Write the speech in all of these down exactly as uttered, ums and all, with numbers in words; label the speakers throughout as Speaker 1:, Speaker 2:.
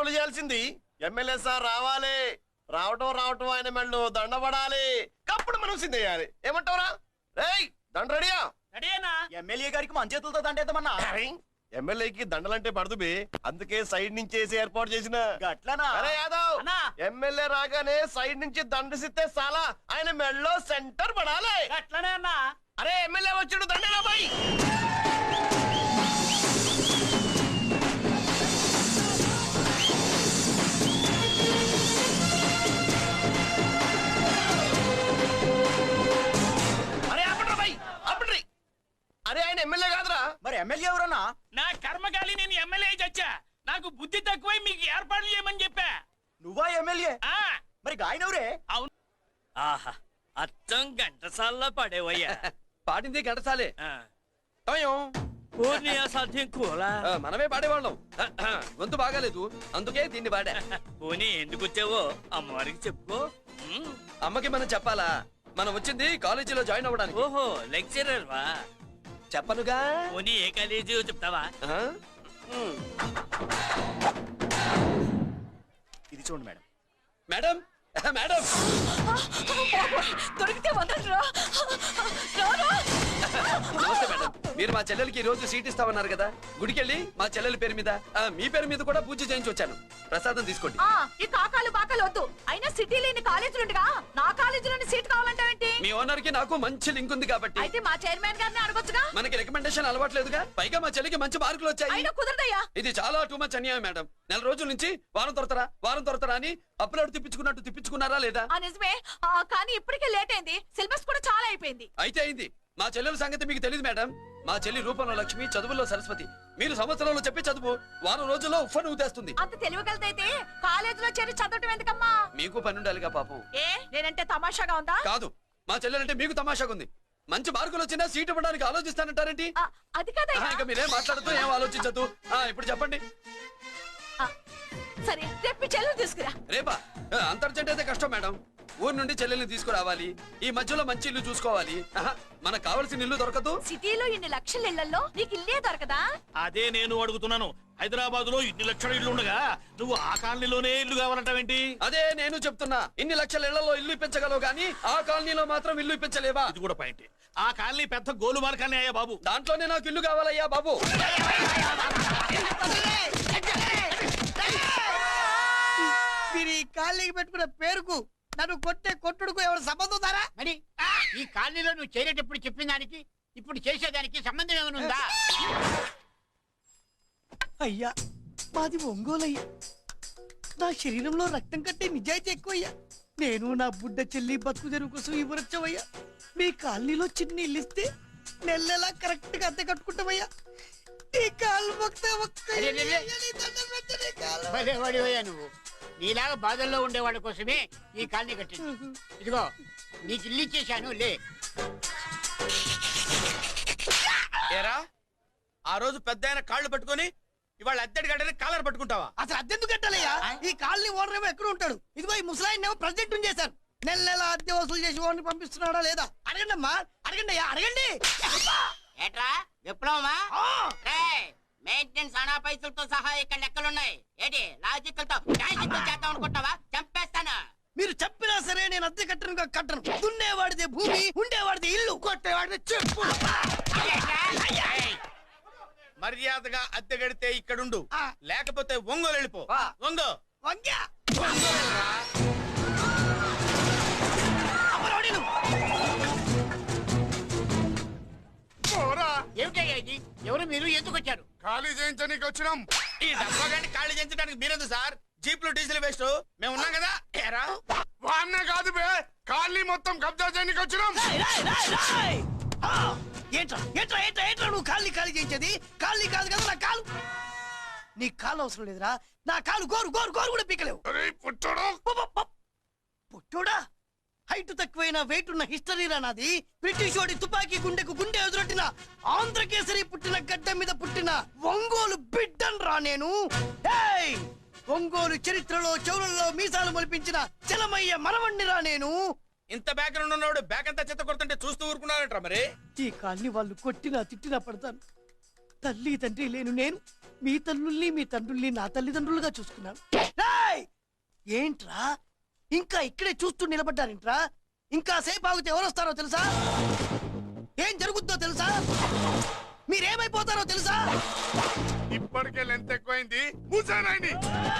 Speaker 1: ఏర్పాట్లు చేయాల్సింది. MLA sir రావాలి, రావటం రావటం ఆయన మెళ్ళు దండపడాలి, కప్పుడు మనం సిందేయాలి. ఏమంటావురా? రేయ్ దండ రెడీయా?
Speaker 2: రెడీనా?
Speaker 3: ఎమ్మెల్యే గారికి మన చేతులతో దండేద్దామన్నా.
Speaker 1: ఎమ్మెల్యేకి దండలంటే పడదు బే, అందుకే సైడ్ నుంచి వేసి ఏర్పాటు చేసిన.
Speaker 3: గట్లనా?
Speaker 1: అరే యాదవ్, ఎమ్మెల్యే రాగానే సైడ్ నుంచి దండసిస్తే చాలా ఆయన మెళ్ళో సెంటర్ పడాలి.
Speaker 2: అట్లనే అన్నా.
Speaker 1: అరే ఎమ్మెల్యే వచ్చాడు, దండేనా బాయ్. అరే అప్పట్రా బాయ్, అప్పట్రీ. అరే ఆయన ఎమ్మెల్యే కాదురా.
Speaker 3: మరి ఎమ్మెల్యే ఎవరన్నా?
Speaker 2: నా కర్మకాలి, నేను ఎమ్మెల్యే చచ్చా. నాకు బుద్ధి తక్కువై మీకు ఏర్పాట్లు చేయమని చెప్పా.
Speaker 3: నువ్వా ఎమ్మెల్యే?
Speaker 2: ఆ
Speaker 3: మరి ఆయన ఎవరే?
Speaker 2: అవును. ఆహా, అచ్చం గంటసాల్లో పడేవయ్యా.
Speaker 4: పాడింది గంటసాలే.
Speaker 2: సాధ్యం కూలా
Speaker 4: మనమే పాడేవాళ్ళం. గొంతు బాగాలేదు, అందుకే దీన్ని పాడా.
Speaker 2: పోనీ ఎందుకు వచ్చావో అమ్మవారికి చెప్పుకో.
Speaker 4: అమ్మకి మనం చెప్పాలా? మనం వచ్చింది కాలేజీలో జాయిన్ అవ్వడానికి.
Speaker 2: ఓహో, లెక్చరర్ వా?
Speaker 4: చెప్పనుగా.
Speaker 2: పోనీ ఏ కాలేజీ చెప్తావా?
Speaker 3: ఇది చూడండి మేడం.
Speaker 4: మేడం మేడం
Speaker 5: దొరికితే వదలరా.
Speaker 4: నమస్తే మేడం, మీరు మా చెల్లెలకి ఈ రోజు సీట్ ఇస్తామన్నారు కదా, గుడికెళ్ళి మా చెల్లెల పేరు మీద మీ పేరు మీద కూడా పూజ చేయించి వచ్చాను. ప్రసాదం తీసుకోండి.
Speaker 5: ఈ కాకాలు బాకాలు వద్దు. అయినా సిటీ లేని కాలేజీలు ఉండగా నా కాలేజీలోని సీట్ కావాలంటావేంటి?
Speaker 4: మీ ఓనర్ కి నాకు మంచి లింక్ ఉంది కాబట్టి.
Speaker 5: అయితే మా చైర్మన్ గారిని అడగొచ్చుగా.
Speaker 4: మనకి రికమెండేషన్ అలవాట్లేదుగా, పైగా మా చెల్లికి మంచి మార్కులు వచ్చాయి.
Speaker 5: అయినా కుదరదయ్యా.
Speaker 4: ఇది చాలా టూ మచ్ అన్యాయం మేడం. నెల రోజుల నుంచి వారం తొరతరా వారం తొరతరా అని అప్లోడ్ తిప్పించుకున్నట్టు తిప్పించుకున్నారా లేదా?
Speaker 5: నిజమే, కానీ ఇప్పటికే లేట్ అయింది. సిలబస్ కూడా చాలా అయిపోయింది.
Speaker 4: అయితే అయింది. మా చెల్లెల సంగతి మీకు తెలియదు మేడం. మా చెల్లి రూపంలో లక్ష్మి, చదువుల్లో సరస్వతి. మీరు సంవత్సరంలో చెప్పి చదువు వారం రోజుల్లో ఉఫ్ఫను ఊదేస్తుంది.
Speaker 5: అంత తెలివిగలదైతే కాలేజీలో చేరి చదవటం ఎందుకమ్మా?
Speaker 4: మీకు పని ఉండాలిగా పాపం.
Speaker 5: ఏ నేనంటే తమాషాగా ఉందా?
Speaker 4: కాదు, మా చెల్లెలంటే మీకు తమాషాగా ఉంది. మంచి మార్కులు వచ్చినా సీట్ ఇవ్వడానికి ఆలోచిస్తానంటారేంటి?
Speaker 5: అది కాదయ్యా.
Speaker 4: ఇంకా మీరేం మాట్లాడుతూ ఏం ఆలోచించదు. ఇప్పుడు చెప్పండి.
Speaker 5: సరే, రేపు చెల్లెలు తీసుకురా.
Speaker 4: రేపా? అంత అర్జెంట్ అయితే కష్టం మేడం. ఊరు నుండి చెల్లెల్ని తీసుకురావాలి, ఈ మధ్యలో మంచి ఇల్లు చూసుకోవాలి. మనకు కావాల్సిన ఇల్లు దొరకదు.
Speaker 5: సిటీలో ఇన్ని లక్షల ఇళ్లలో నీకు ఇల్లే దొరకదా?
Speaker 2: అదే నేను అడుగుతున్నాను. హైదరాబాద్ లో ఇన్ని లక్షల ఇల్లు ఉండగా నువ్వు ఆ కాలనీలోనే ఇల్లు కావాలంటావేంటి?
Speaker 4: అదే నేను చెప్తున్నా. ఇన్ని లక్షల ఇళ్లలో ఇల్లు ఇప్పించగలవు గానీ ఆ కాలనీలో మాత్రం ఇల్లు ఇప్పించలేవా?
Speaker 2: ఇది కూడా పాయింట్. ఆ కాలనీ పెద్ద గోలుమాల కాలనీ అయ్యా బాబు.
Speaker 4: దాంట్లోనే నాకు ఇల్లు కావాలయ్యా బాబు.
Speaker 6: మీరు ఈ కాలనీకి పెట్టుకున్న పేరుకు నన్ను కొట్టే కొట్టుడుకు ఎవరు సంబంధం ఉందారా?
Speaker 7: మరి ఈ కాలనీలో నువ్వు చేరేటప్పుడు చెప్పిన దానికి ఇప్పుడు చేసేదానికి సంబంధం ఏమైనా ఉందా?
Speaker 6: అయ్యా, మాది ఒంగోలయ్యా. నా శరీరంలో రక్తం కట్టే నిజాయితీ ఎక్కువయ్యా. నేను నా బుడ్డ చెల్లి బతుకు తెరువు కోసం ఇవ్వరొచ్చవయ్యా. మీ కాలనీలో చిన్న ఇల్లు ఇస్తే నెల నెలా కరెక్ట్ గా అద్దె కట్టుకుంటామయ్యా. ఈ కాలు
Speaker 7: భలేవాడివయ్యా నువ్వు. నీలాగా బాధల్లో ఉండేవాడి కోసమే ఈ కాలనీ కట్టింది. ఇదిగో నీకు ఇల్లు ఇచ్చేశాను, లే.
Speaker 3: ఏరా, ఆ రోజు పెద్ద ఆయన కాళ్ళు పట్టుకొని ఇవాళ అద్దెడి గడ్డని కాలర్ పట్టుకుంటావా?
Speaker 6: అసలు అద్దెందుకు కట్టాలయ్యా? ఈ కాలనీ ఓనర్ ఏమో ఎక్కడ ఉంటాడు? ఇదిగో ఈ ముసలాయిన్ ఏమో ప్రెసిడెంట్ చేశారు. నెల నెల అద్దె వసూలు చేసి ఓనర్ పంపిస్తున్నాడా లేదా అడగండి అమ్మా. అడగండి అయ్యా, అడగండి.
Speaker 7: ఏట్రా విప్లవమా? మెయింటెనెన్స్ అనా పైసలతో సహా ఇక్కడ లెక్కలున్నాయి. ఏంటి లాజికల్ తో చేద్దాం అనుకుంటావా? చంపేస్తాను.
Speaker 6: మీరు చెప్పినా సరే నేను అద్దె కట్టను కట్టను. దున్నేవాడిదే భూమి, ఉండేవాడిదే ఇల్లు, కొట్టేవాడిదే చెప్పు.
Speaker 3: మర్యాదగా అద్దె గడితే ఇక్కడుండు, లేకపోతే ఒంగోలు వెళ్ళిపో. ఒంగో
Speaker 6: వంగ్యా
Speaker 7: ఏమిటయ్యా ఇది? ఎవరు మీరు? ఎందుకు వచ్చారు?
Speaker 3: ఖాళీ చేయించడానికి వచ్చినాం. ఈ డబ్బా గంట ఖాళీ చేయించడానికి మీరెందు సార్? జీప్లు డీజిల్ వేస్ట్, మేము ఉన్నాం కదా. వాన్నే కాదు బే, ఖాళీ మొత్తం కబ్జా చేయడానికి వచ్చినాం.
Speaker 6: ఏంట్రా ఏంట్రా ఏంట్రా ఏంట్రా నువ్వు ఖాళీ ఖాళీ చేయించేది? ఖాళీ కాదు కదా నా కాలు. నీ కాలు అవసరం లేదురా, నా కాలు గోరు గోరు గోరు కూడా పీకలేవు. పుట్టోడా, హైట్ తక్కువైన వెయిట్ ఉన్న హిస్టరీరా నాది. బ్రిటిష్ వాడి తుపాకీ గుండెకు గుండె ఎదురొట్టిన ఆంధ్రకేసరి పుట్టిన గడ్డ మీద పుట్టిన ఒంగోలు బిడ్డన్ రా నేను. ఒంగోలు చరిత్రలో చౌరల్లో మీసాలు మొలిపించిన చలమయ్య మనవణ్ణిరా నేను.
Speaker 3: ఇంత బ్యాక్గ్రౌండ్ ఉన్నవాడు బ్యాక్ అంతా చెత్త కొడుతుంటే చూస్తూ ఊరుకున్నారంట. మరి
Speaker 6: ఈ కాల్ని వాళ్ళు కొట్టినా తిట్టినా పడతాను. తల్లి తండ్రి లేను నేను మీ తల్లుల్ని మీ తండ్రుల్ని నా తల్లిదండ్రులుగా చూసుకున్నాను. ఏంట్రా ఇంకా ఇక్కడే చూస్తూ నిలబడ్డారేంట్రా? ఇంకా సేపు ఆగితే ఎవరు వస్తారో తెలుసా? ఏం జరుగుతుందో తెలుసా? మీరేమైపోతారో తెలుసా?
Speaker 3: ఇప్పటికే లెంత్ ఎక్కువైంది. మూసానాయని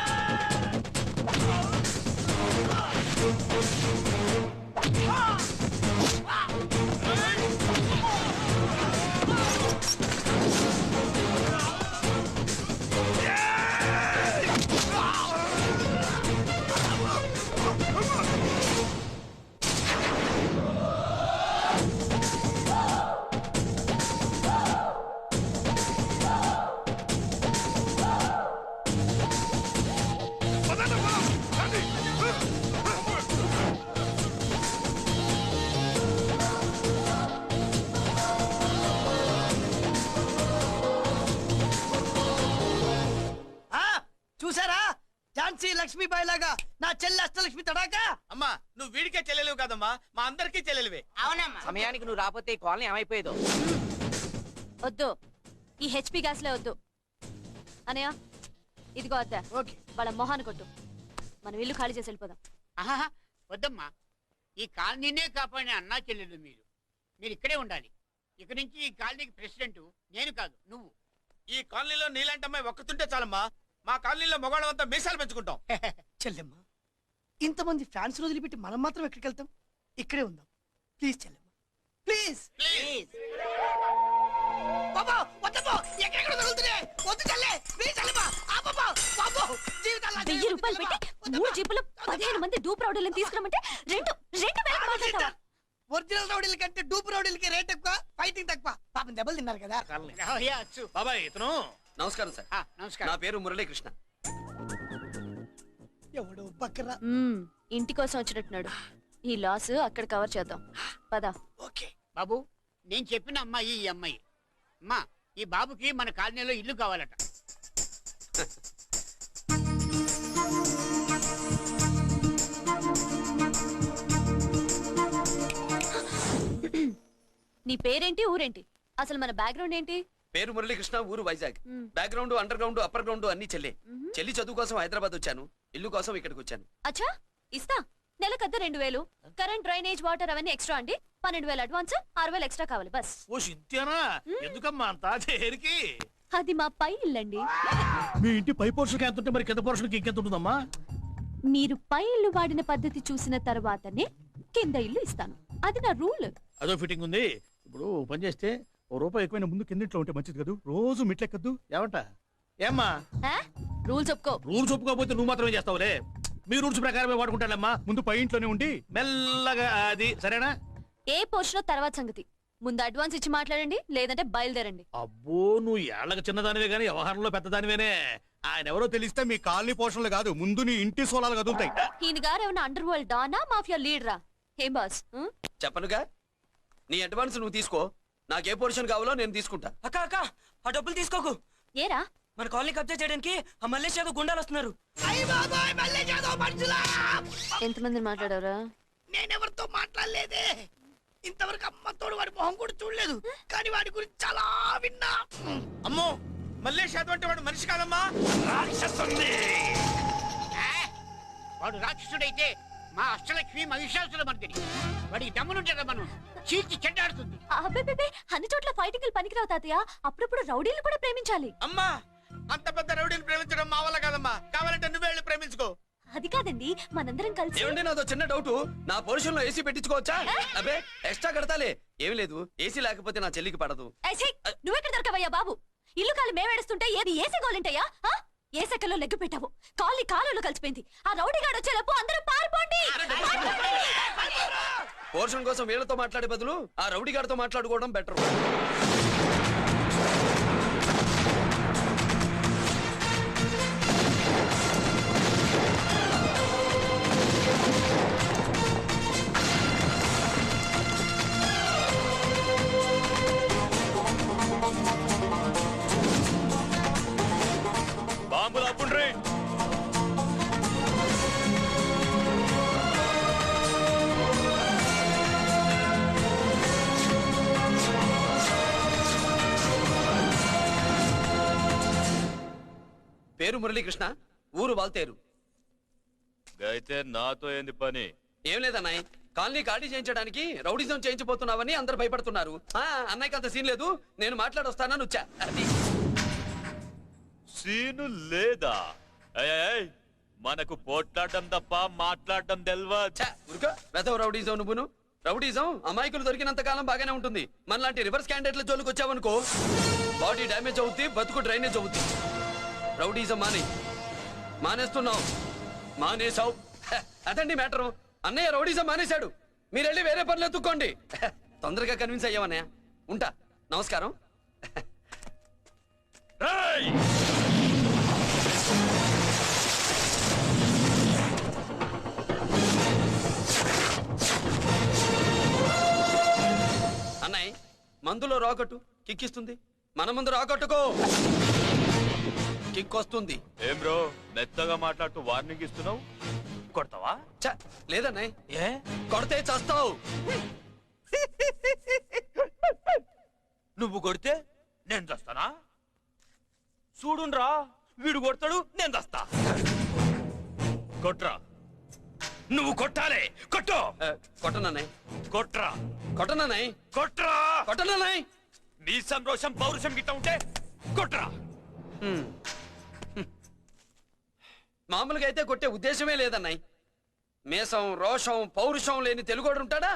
Speaker 6: ఆ చూసారా? ఝాన్సీ లక్ష్మీబాయి లాగా నా చెల్లి అష్టలక్ష్మి తడాకా.
Speaker 4: అమ్మా నువ్వు వీడికే చెల్లెలివి కాదమ్మా, మా అందరికీ చెల్లెలివే.
Speaker 7: అవునమ్మా.
Speaker 8: సమయానికి నువ్వు రాకపోతే ఈ కాలనీ ఏమైపోయేదో.
Speaker 5: వద్దు, ఈ హెచ్పి గ్యాస్లే వద్దు. అనయ్య ఇదిగో అద్దా,
Speaker 6: ఓకే
Speaker 5: వాళ్ళ మొహాన్ని కొట్టు. మనం ఇల్లు ఖాళీ చేసి వెళ్ళిపోదాం.
Speaker 7: ఆహా, వద్దమ్మా. ఈ కాలనీనే కాపాడిన అన్నా చెల్లెలు మీరు. మీరు ఇక్కడే ఉండాలి. ఇక నుంచి ఈ కాలనీకి ప్రెసిడెంట్ నేను కాదు, నువ్వు.
Speaker 4: ఈ కాలనీలో నీలాంటి అమ్మాయి ఒక్కతుంటే చాలమ్మా. మా కాలనీలో మొగాళ్ళం అంతా మీసాలు పెంచుకుంటాం.
Speaker 6: చెల్లెమ్మ, ఇంతమంది ఫ్యాన్స్ వదిలిపెట్టి మనం మాత్రం ఎక్కడికి వెళ్తాం? ఇక్కడే ఉందాం ప్లీజ్ చెల్లెమ్మ, ప్లీజ్.
Speaker 7: ప్లీజ్.
Speaker 6: బాబా వద్దమ్మా, ఎక్కడెక్కడ తగులుతున్నాయి? వద్దు చెల్లె, ప్లీజ్ చెల్లెమ్మ. ఆ బాబా, బాబో, జీవితాల్లో
Speaker 5: వెయ్యి రూపాయలు పెట్టి మూడు జీపులు పదిహేను మంది డూప్ రౌడీలను తీసుకురమ్మంటే రెండు రెండు వేలకు మాట్లాడతావా?
Speaker 6: ఒరిజినల్ రౌడీల కంటే డూప్ రౌడీలకి రేట్ ఎక్కువ, ఫైటింగ్ తక్కువ. పాపం దెబ్బలు తిన్నారు కదా.
Speaker 7: రావయ్యా, అచ్చు.
Speaker 2: బాబాయ్ ఇతను
Speaker 4: నమస్కారం సార్.
Speaker 7: ఆ,
Speaker 4: నా
Speaker 7: నమస్కారం.
Speaker 4: పేరు మురళీకృష్ణ.
Speaker 6: ఎవడో బక్కరా.
Speaker 5: మ్మ్, ఇంటి కోసం వచ్చినట్టున్నాడు. ఈ లాస్ అక్కడ కవర్ చేద్దాం పదా.
Speaker 6: ఓకే
Speaker 7: బాబు, నేను చెప్పిన అమ్మాయి ఈ అమ్మాయి. అమ్మా, ఈ బాబుకి మన కాలనీలో ఇల్లు కావాలట.
Speaker 5: నీ పేరేంటి, ఊరేంటి, అసలు మన బ్యాక్గ్రౌండ్ ఏంటి?
Speaker 4: పేరు మురళీకృష్ణ, ఊరు వైజాగ్.
Speaker 5: మ్మ్.
Speaker 4: Background, underground, upper ground అన్ని చెల్లి. చెల్లి చదువు కోసం హైదరాబాద్ వచ్చాను, ఇల్లు కోసం ఇక్కడికి వచ్చాను.
Speaker 5: అచ్చా, ఇస్తా. నెలకద్ద రెండు వేలు, కరెంట్, డ్రైనేజ్, వాటర్ అవన్నీ ఎక్స్ట్రా అండి. పన్నెండు వేలు అడ్వాన్స్, ఆరు వేలు ఎక్స్ట్రా కావాలి బస్.
Speaker 2: ఓ సింత్యానా, ఎందుకమ్మా అంతా చేరికి?
Speaker 5: అది మా పై ఇల్లండి.
Speaker 2: మీ ఇంటి పై పోర్షన్కి ఎంత ఉంటే మరి కింద పోర్షన్కి ఇంకెంత ఉంటుందమ్మా?
Speaker 5: మీరు పై ఇల్లు వాడిన పద్ధతి చూసిన తర్వాతనే కింద ఇల్లు ఇస్తాను. అది నా రూల్.
Speaker 2: అదో ఫిట్టింగ్ ఉంది. ఇప్పుడు ఓ పని చేస్తే ఓ రూపాయి ఎక్కువైన ముందు కిందింట్లో ఉంటే మంచిది కదూ. రోజు మిట్లెక్కద్దు ఏమంట? ఏమ్మా
Speaker 5: రూల్స్ ఒప్పుకో.
Speaker 2: రూల్స్ ఒప్పుకోకపోతే నువ్వు మాత్రమే చేస్తావులే. మీ రూల్స్ ప్రకారమే వాడుకుంటానమ్మా. ముందు పై ఇంట్లోనే ఉండి మెల్లగా అది సరేనా?
Speaker 5: ఏ పోర్షన్ తర్వాత సంగతి. ముందు అడ్వాన్స్ ఇచ్చి మాట్లాడండి, లేదంటే బయలుదేరండి.
Speaker 2: అబ్బో, నువ్వు ఏళ్ళకి చిన్నదానివే గానీ వ్యవహారంలో పెద్దదానివేనే. ఆయన ఎవరో తెలిస్తే మీ కాలనీ పోషణలు కాదు, ముందు నీ ఇంటి సోలాలు కదులుతాయి.
Speaker 5: ఈయన గారు ఏమన్నా అండర్ వరల్డ్ డానా, మాఫియా లీడరా? ఏం బాస్? ఉం?
Speaker 4: చెప్పనుగా, నీ అడ్వాన్స్ నువ్వు తీసుకో, నాకే పోర్షన్ కావాలో నేను తీసుకుంటా.
Speaker 8: అక్క అక్క ఆ డబ్బులు తీసుకోకు.
Speaker 5: ఏరా
Speaker 8: మన కాలనీ కబ్జా చేయడానికి ఆ మల్లేష్ యాదవ్ గుండాలు వస్తున్నారు.
Speaker 6: అయ్య బాబాయ్, మళ్ళీ చేదో మనుషులా.
Speaker 5: ఎంతమంది మాట్లాడారా?
Speaker 6: నేనెవరితో మాట్లాడలేదే. ఇంతవరకు అమ్మతోడు వాడి మొహం కూడా చూడలేదు, కానీ వాడి గురించి చాలా విన్నా.
Speaker 4: అమ్మో, మల్లేష్ యాదవ్ అంటే వాడు మనిషి కాదమ్మా.
Speaker 7: ఆ, వాడు రాక్షసుడైతే మా అష్టలక్ష్మి మహిషాసుల మర్దిని. వాడికి దమ్మునుంటారా మనం చీల్చి చెడ్డాడుతుంది.
Speaker 5: అబ్బే, అన్ని చోట్ల ఫైటింగ్ పనికిరావు తాతయ్య. అప్పుడప్పుడు రౌడీలు కూడా ప్రేమించాలి.
Speaker 4: అమ్మా, అంత పెద్ద రౌడీని ప్రేమించడం మా వల్ల కాదమ్మా. కావాలంటే నువ్వే వెళ్ళి ప్రేమించుకో.
Speaker 5: అది కాదండి, మనందరం కలిసి.
Speaker 4: ఏమండి, నాదో చిన్న డౌట్. నా పోర్షన్ లో ఏసీ పెట్టించుకోవచ్చా? అబ్బే, ఎక్స్ట్రా కడతాలే. ఏమి లేదు, ఏసీ లేకపోతే నా చెల్లికి పడదు.
Speaker 5: ఏయ్, ఛీ! నువ్వెక్కడ దొరకవయ్యా బాబు? ఇల్లు కాలు మేమేడుస్తుంటే ఏది ఏసీ గోలింటయ్యా? ఏ సెకల్లో లెగ్గు పెట్టావు? కాలి కాలులో కలిసిపోయింది. ఆ రౌడీ గాడు వచ్చేలోపు అందరూ పారిపోండి.
Speaker 4: పోర్షన్ కోసం వీళ్ళతో మాట్లాడే బదులు ఆ రౌడీ గారితో మాట్లాడుకోవడం బెటర్.
Speaker 2: బాంబులు అప్పుండ్రీ.
Speaker 4: పేరు మురళీకృష్ణ, ఊరు వాల్తేరు.
Speaker 9: అయితే నాతో ఏంది పని?
Speaker 4: ఏం లేదన్నాయ్, కాలనీ ఖాళీ చేయించడానికి రౌడిజం చేయించబోతున్నావని అందరు భయపడుతున్నారు. ఆ, అన్నయ్యకి అంత సీన్ లేదు, నేను మాట్లాడొస్తానని వచ్చా. అది
Speaker 9: సీను లేదా? ఏయ్, ఏయ్, మనకు పోట్లాడడం తప్ప మాట్లాడడం తెల్వా?
Speaker 4: ఉరుక వెదవ రౌడీజం నువ్వును. రౌడీజం అమాయకులు దొరికినంత కాలం బాగానే ఉంటుంది. మనలాంటి రివర్స్ క్యాండిడేట్ల జోలికి వచ్చావనుకో బాడీ డ్యామేజ్ అవుద్ది, బతుకు డ్రైనేజ్ అవుద్ది. రౌడీజం మానే మానేస్తున్నావు మానేసావు. అదండి మ్యాటరు. అన్నయ్య రౌడీజం మానేశాడు, మీరెళ్ళి వేరే పనులు ఎత్తుక్కోండి. తొందరగా కన్విన్స్ అయ్యావన్నయ్య. ఉంటా, నమస్కారం. అన్నయ్య మందులో రాకట్టు కిక్కిస్తుంది, మన ముందు రాకట్టుకో కిక్ వస్తుంది.
Speaker 9: ఏం బ్రో మెత్తగా మాట్లాడుతూ వార్నింగ్ ఇస్తున్నావు? కొడతావా?
Speaker 4: చ లేదన్నయ్య, ఏ కొడితే చస్తావు.
Speaker 9: నువ్వు కొడితే నేను చస్తానా? చూడుండ్రా, వీడు కొడతాడు, నేను చస్తా. కొట్రా, నువ్వు కొట్టాలి. కొట్టు.
Speaker 4: కొట్టనన్నయ్య,
Speaker 9: కొట్రా,
Speaker 4: కొట్టనన్నయ్య,
Speaker 9: కొట్రా,
Speaker 4: కొట్టనన్నయ్య.
Speaker 9: నీ సంతోషం పౌరుషం గిట్ట ఉంటే కొట్రా.
Speaker 4: మామూలుగా అయితే కొట్టే ఉద్దేశమే లేదన్నయ్య. మేషం రోషం పౌరుషం లేని తెలుగోడు ఉంటాడా?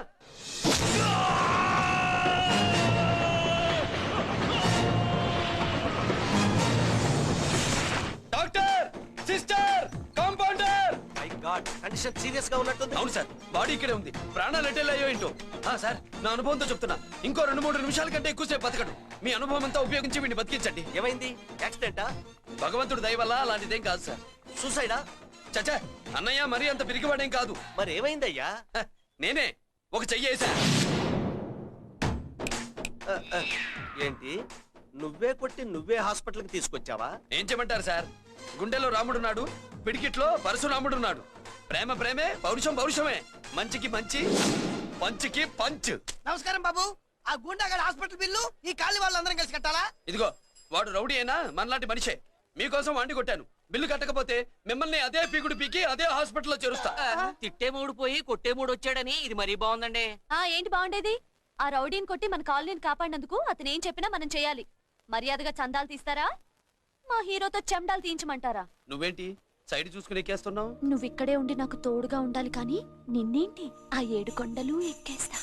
Speaker 4: Doctor, sister, compounder.
Speaker 1: My god, condition serious గా ఉన్నట్టుంది.
Speaker 4: అవును సార్, బాడీ ఇక్కడే ఉంది, ప్రాణాలు ఎట్టెళ్ళాయో ఏంటో. ఆ, సార్ నా అనుభవంతో చెప్తున్నా, ఇంకో రెండు మూడు నిమిషాల కంటే ఎక్కువసేపు బతకడు. మీ అనుభవం అంతా ఉపయోగించి వీడిని బతికించండి.
Speaker 1: ఏమైంది? యాక్సిడెంటా?
Speaker 4: భగవంతుడు దయ వల్ల అలాంటిదేం కాదు సార్.
Speaker 1: సూసైడా?
Speaker 4: చచ్చా, అన్నయ్య మరీ అంత పిరిగివాడేం కాదు.
Speaker 1: మరి ఏమైందయ్యా?
Speaker 4: హ, నేనే ఒక చెయ్యి వేసా.
Speaker 1: ఆ, ఆ, ఏంటి నువ్వే కొట్టి నువ్వే హాస్పిటల్ కి తీసుకొచ్చావా?
Speaker 4: ఏం చేయమంటారు సార్, గుండెలో రాముడున్నాడు, పిడికిట్లో పరశురాముడున్నాడు. ప్రేమ ప్రేమే, పౌరుషం పౌరుషమే, మంచికి మంచి, పంచికి పంచ్.
Speaker 6: నమస్కారం బాబు. ఆ గుండాగడ్ హాస్పిటల్ బిల్లు ఈ కాలి వాళ్ళందరం కలిసి కట్టాలా?
Speaker 4: ఇదిగో వాడు రౌడీ అయినా మనలాంటి మనిషే. మీకోసం వండి కొట్టాను, బిల్లు కట్టకపోతే మిమ్మల్ని అదే పీకుడు పీకి అదే హాస్పిటల్లో చేరుస్తా.
Speaker 8: తిట్టే మూడు పోయి కొట్టే మూడు వచ్చాడని ఇది మరీ బాగుందండి.
Speaker 5: ఆ ఏంటి బాగుండేది? ఆ రౌడీని కొట్టి మన కాలనీని కాపాడినందుకు అతను ఏం చెప్పినా మనం చేయాలి. మర్యాదగా చందాలు తీస్తారా, మా హీరోతో చెండాలు తీయించమంటారా?
Speaker 4: నువ్వేంటి సైడ్ చూసుకుని ఎక్కేస్తున్నావు?
Speaker 5: నువ్విక్కడే ఉండి నాకు తోడుగా ఉండాలి, కానీ నిన్నేంటి ఆ ఏడు కొండలు ఎక్కేస్తా.